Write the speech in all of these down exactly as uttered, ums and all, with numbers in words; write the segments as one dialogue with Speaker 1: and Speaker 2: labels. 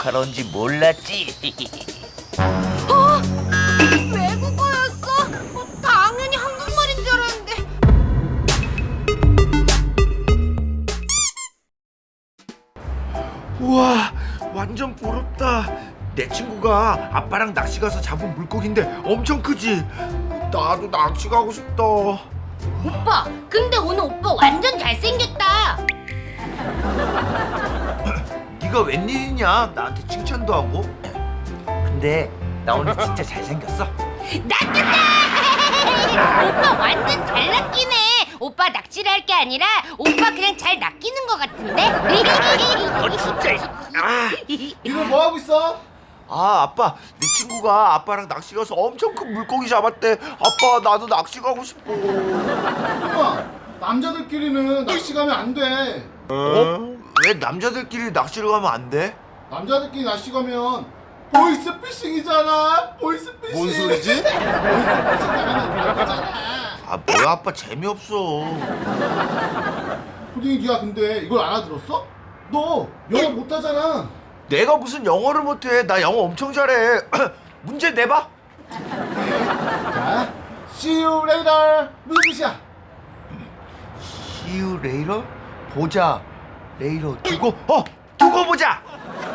Speaker 1: 외국하러 온지 몰랐지.
Speaker 2: 어? 외국어였어? 어, 당연히 한국말인 줄 알았는데.
Speaker 3: 우와, 완전 부럽다. 내 친구가 아빠랑 낚시 가서 잡은 물고기인데 엄청 크지? 나도 낚시 가고 싶다.
Speaker 2: 오빠, 근데 오늘 오빠 완전 잘생겼다.
Speaker 3: 네가 웬일이냐? 나한테 칭찬도 하고. 근데 나 오늘 진짜 잘생겼어.
Speaker 2: 낚였다! 오빠 완전 잘 낚이네. 오빠 낚시를 할 게 아니라 오빠 그냥 잘 낚이는 것 같은데?
Speaker 3: 어, 진짜. 아,
Speaker 4: 이거 뭐 하고 있어?
Speaker 3: 아, 아빠, 네 친구가 아빠랑 낚시 가서 엄청 큰 물고기 잡았대. 아빠, 나도 낚시 가고 싶어.
Speaker 4: 형아, 남자들끼리는 낚시 가면 안 돼.
Speaker 3: 어? 왜 남자들끼리 낚시를 가면 안 돼?
Speaker 4: 남자들끼리 낚시 가면 보이스피싱이잖아. 보이스피싱.
Speaker 3: 뭔 소리지?
Speaker 4: 보이스피싱 나가면 안 되잖아.
Speaker 3: 아, 뭐야, 아빠 재미없어.
Speaker 4: 푸딩이 네가 근데 이걸 알아들었어? 너 영어 못하잖아.
Speaker 3: 내가 무슨 영어를 못해? 나 영어 엄청 잘해. 문제 내봐.
Speaker 4: 자, see you later. 무슨 뜻이야?
Speaker 3: See you later? 보자. later 두고 어 두고 보자.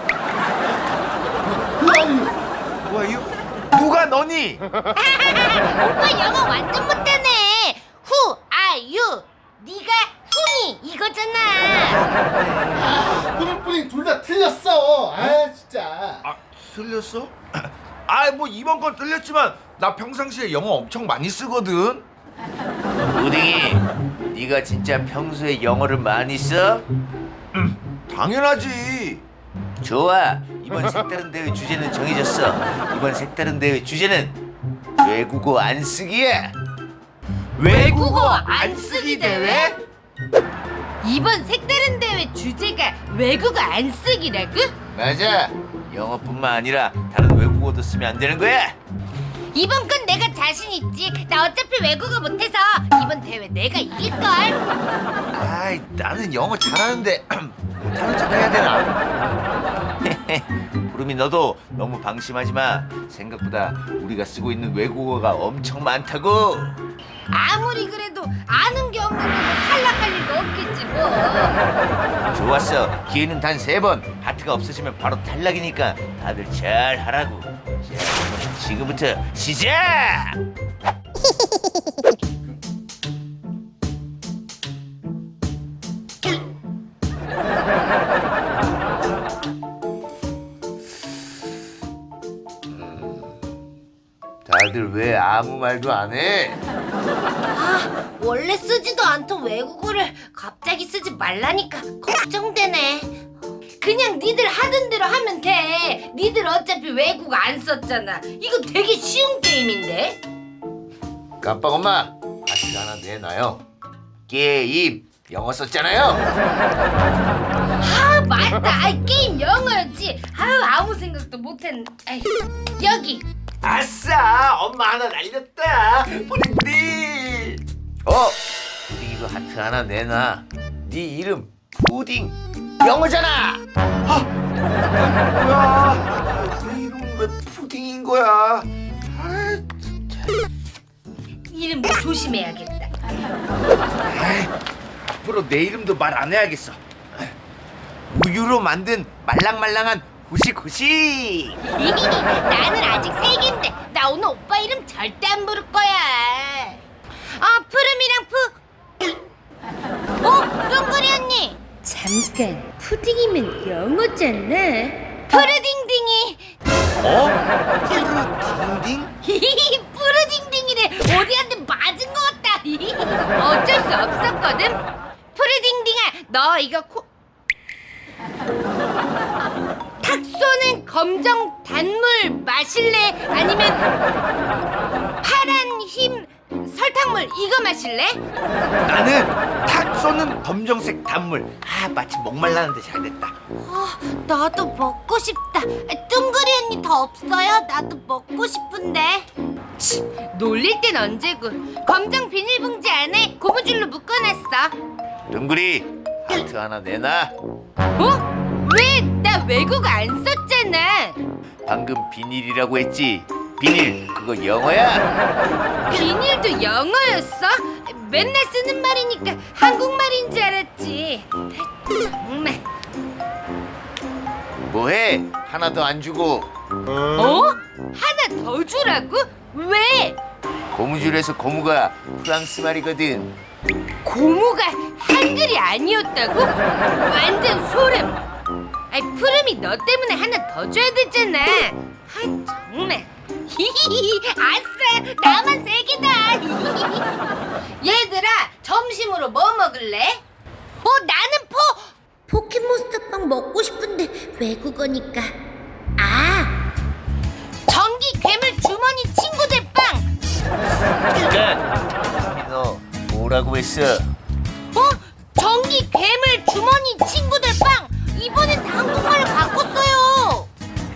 Speaker 4: 그 아니.
Speaker 3: Who are you? 누가 너니?
Speaker 2: 오빠 영어 완전 못하네. Who are you? 네가 훈이 이거잖아.
Speaker 4: 푸딩 푸딩 둘 다 틀렸어. 아 진짜.
Speaker 3: 아, 틀렸어? 아, 뭐 이번 건 틀렸지만 나 평상시에 영어 엄청 많이 쓰거든.
Speaker 1: 우딩이, 네가 진짜 평소에 영어를 많이 써?
Speaker 3: 당연하지.
Speaker 1: 좋아. 이번 색다른 대회 주제는 정해졌어. 이번 색다른 대회 주제는 외국어 안 쓰기야.
Speaker 2: 외국어 안 쓰기 대회? 이번 색다른 대회 주제가 외국어 안 쓰기라고?
Speaker 1: 맞아. 영어뿐만 아니라 다른 외국어도 쓰면 안 되는 거야.
Speaker 2: 이번 건 내가 자신 있지. 나 어차피 외국어 못해서 이번 대회 내가 이길걸.
Speaker 3: 아이, 나는 영어 잘하는데 못하는 척 해야 되나?
Speaker 1: 부름이, 너도 너무 방심하지 마. 생각보다 우리가 쓰고 있는 외국어가 엄청 많다고.
Speaker 2: 아무리 그래도 아는 게 없는 거 탈락할 리도 없겠지 뭐.
Speaker 1: 좋았어. 기회는 단 세 번. 하트가 없어지면 바로 탈락이니까 다들 잘 하라고. 자, 그럼 지금부터 시작! 다들 왜 아무 말도 안 해?
Speaker 2: 아, 원래 쓰지도 않던 외국어를 갑자기 쓰지 말라니까 걱정되네. 그냥 니들 하던 대로 하면 돼. 니들 어차피 외국어 안 썼잖아. 이거 되게 쉬운 게임인데.
Speaker 1: 깜빡 엄마, 하트 하나 내놔요. 게임 영어 썼잖아요.
Speaker 2: 아, 맞다. 아이, 게임 영어였지. 아유, 아무 생각도 못했네. 아이, 여기.
Speaker 3: 아싸, 엄마 하나 날렸다. 푸딩푸딩.
Speaker 1: 어? 푸딩 이거 하트 하나 내놔. 네 이름 푸딩 영어잖아.
Speaker 3: 아, 뭐야? 내 이름 왜 푸딩인 거야? 아, 진짜.
Speaker 2: 이름 조심해야겠다.
Speaker 3: 아이, 앞으로 내 이름도 말 안 해야겠어. 우유로 만든 말랑말랑한 후식후식.
Speaker 2: 나는 아직 세기인데 나 오늘 오빠 이름 절대 안 부를 거야. 아, 푸름이랑 푸. 어? 둥그리 언니.
Speaker 5: 잠깐, 푸딩이면 영어잖아.
Speaker 2: 푸르딩딩이.
Speaker 3: 어? 푸르딩딩?
Speaker 2: 푸르딩딩이래. 어디 한 대 맞은 것 같다. 어쩔 수 없었거든. 푸르딩딩아, 너 이거 코... 탁 쏘는 검정 단물 마실래? 아니면 파란 힘 설탕물 이거 마실래?
Speaker 3: 나는 탁 쏘는 검정색 단물. 아, 마치 목말랐는데 잘됐다.
Speaker 2: 아, 나도 먹고 싶다. 둥그리 언니 더 없어요? 나도 먹고 싶은데. 치, 놀릴 땐 언제고. 검정 비닐봉지 안에 고무줄로 묶어놨어.
Speaker 1: 둥그리 하트 하나 내놔.
Speaker 2: 어? 왜? 나 나 외국어 안 썼잖아.
Speaker 1: 방금 비닐이라고 했지? 비닐 그거 영어야?
Speaker 2: 비닐도 영어였어? 맨날 쓰는 말이니까 한국말인 줄 알았지. 정말.
Speaker 1: 뭐해? 하나 더 안 주고
Speaker 2: 어? 하나 더 주라고? 왜?
Speaker 1: 고무줄에서 고무가 프랑스 말이거든.
Speaker 2: 고무가 한글이 아니었다고? 완전 소름. 아이 푸름이 너 때문에 하나 더 줘야 되잖아. 아이 정말. 히히히 아싸 나만 세 개다. 얘들아 점심으로 뭐 먹을래? 어 나는 포.
Speaker 5: 포켓몬스터빵 먹고 싶은데 외국어니까. 아,
Speaker 2: 전기 괴물 주머니 친구들 빵.
Speaker 1: 잠깐. 너 뭐라고 했어?
Speaker 2: 어? 전기 괴물 주머니 친구들 빵. 이번엔 한국말을 바꿨어요.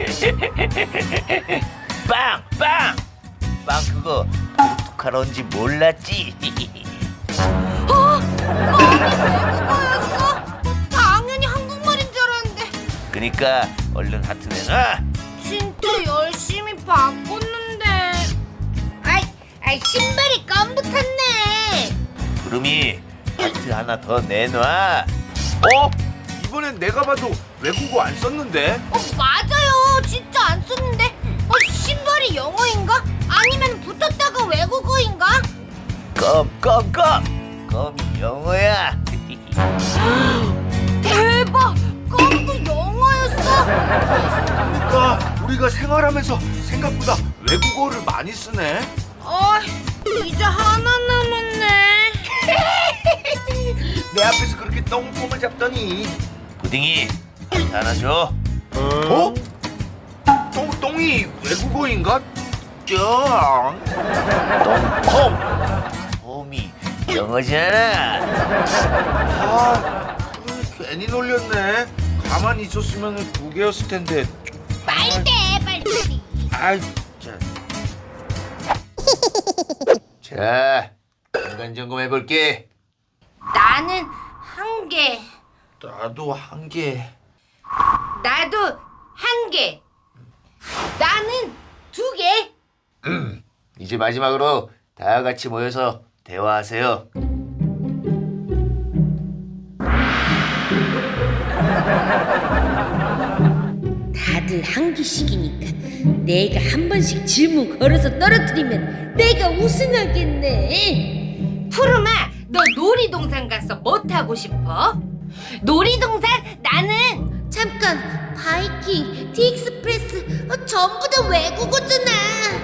Speaker 1: 빵! 빵! 빵 그거 어떡하런지 몰랐지?
Speaker 2: 어? 아니 외국어였어? 당연히 한국말인 줄 알았는데.
Speaker 1: 그니까 얼른 하트 내놔.
Speaker 2: 진짜 열심히 바꿨는데. 아이, 아이 신발이 깜붙었네.
Speaker 1: 구름이 하트 하나 더 내놔.
Speaker 3: 어? 이번엔 내가 봐도 외국어 안 썼는데?
Speaker 2: 어 맞아요, 진짜 안 썼는데. 어 신발이 영어인가? 아니면 붙었다가 외국어인가?
Speaker 1: 껌, 껌, 껌. 껌이 영어야.
Speaker 2: 대박, 껌도 영어였어.
Speaker 3: 그러니까 우리가 생활하면서 생각보다 외국어를 많이 쓰네.
Speaker 2: 어, 이제 하나 남았네.
Speaker 3: 내 앞에서 그렇게 똥폼을 잡더니.
Speaker 1: 부딩이 하트 하나 줘.
Speaker 3: 어? 똥, 똥이 외국어인가? 짱.
Speaker 1: 똥. 홈이 영어잖아.
Speaker 3: 아, 괜히 놀렸네. 가만히 있었으면 두 개였을 텐데.
Speaker 2: 빨리 돼, 빨리.
Speaker 3: 아이, 자.
Speaker 1: 자, 인간 점검 해볼게.
Speaker 2: 나는 한 개.
Speaker 3: 나도 한 개.
Speaker 2: 나도 한 개. 나는 두 개.
Speaker 1: 이제 마지막으로 다 같이 모여서 대화하세요.
Speaker 5: 다들 한 개씩이니까 내가 한 번씩 질문 걸어서 떨어뜨리면 내가 우승하겠네.
Speaker 2: 푸르마, 너 놀이동산 가서 뭐 타고 싶어? 놀이동산 나는
Speaker 5: 잠깐, 바이킹, 디익스프레스 어, 전부 다 외국어잖아.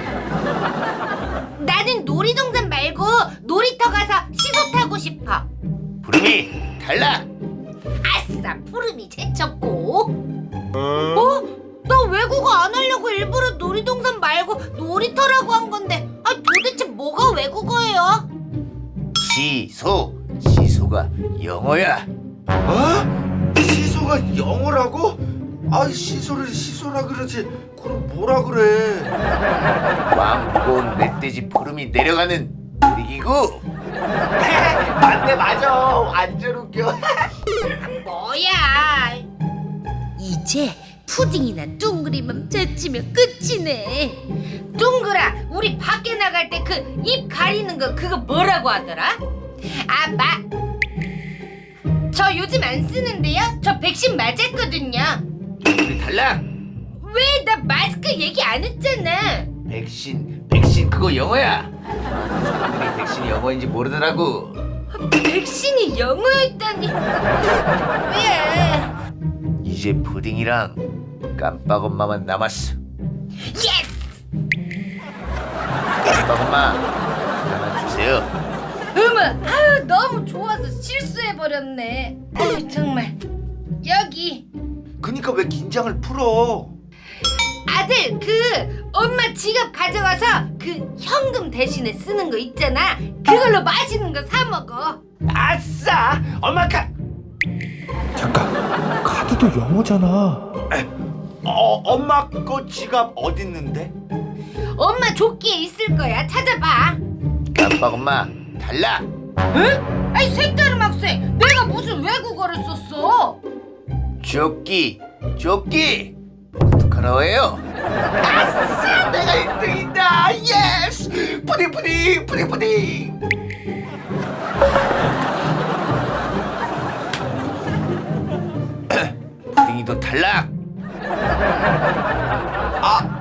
Speaker 2: 나는 놀이동산 말고 놀이터 가서 시소 타고 싶어.
Speaker 1: 부름이 탈락.
Speaker 2: 아싸, 푸름이 제쳤고. 어? 나 외국어 안 하려고 일부러 놀이동산 말고 놀이터라고 한 건데, 아 도대체 뭐가 외국어예요?
Speaker 1: 시소. 시소가 영어야.
Speaker 3: 어? 시소가 영어라고? 아이, 시소를 시소라 그러지. 그럼 뭐라 그래?
Speaker 1: 왕 무거운 멧돼지 푸름이 내려가는 놀이기구. 맞네, 맞아. 완전 웃겨.
Speaker 2: 뭐야?
Speaker 5: 이제 푸딩이나 둥그리만 제치면 끝이네.
Speaker 2: 둥그라, 우리 밖에 나갈 때 그 입 가리는 거 그거 뭐라고 하더라? 아, 마. 저 요즘 안 쓰는데요. 저 백신 맞았거든요.
Speaker 1: 우리 탈락.
Speaker 2: 왜 나 마스크 얘기 안 했잖아.
Speaker 1: 백신. 백신 그거 영어야. 사람들이 백신이 영어인지 모르더라고.
Speaker 2: 백신이 영어였다니. 왜?
Speaker 1: 이제 푸딩이랑 깜빡 엄마만 남았어.
Speaker 2: 예스!
Speaker 1: 깜빡 엄마 하나 주세요.
Speaker 2: 어머, 아유 너무 좋아서 실수해버렸네. 아유 정말. 여기
Speaker 3: 그니까 왜 긴장을 풀어?
Speaker 2: 아들 그 엄마 지갑 가져가서 그 현금 대신에 쓰는 거 있잖아. 그걸로 맛있는 거 사 먹어.
Speaker 1: 아싸! 엄마 카.
Speaker 3: 잠깐, 카드도 영어잖아. 어, 엄마 거 지갑 어딨는데?
Speaker 2: 엄마 조끼에 있을 거야. 찾아봐.
Speaker 1: 깜빡 엄마 탈락.
Speaker 2: 응? 아이 색다른 학생, 내가 무슨 외국어를 썼어?
Speaker 1: 조끼 조끼 어떡하라고요? 아싸 내가 일 등이다 예스 푸딩 푸딩 푸딩 푸딩 푸딩이도 탈락 아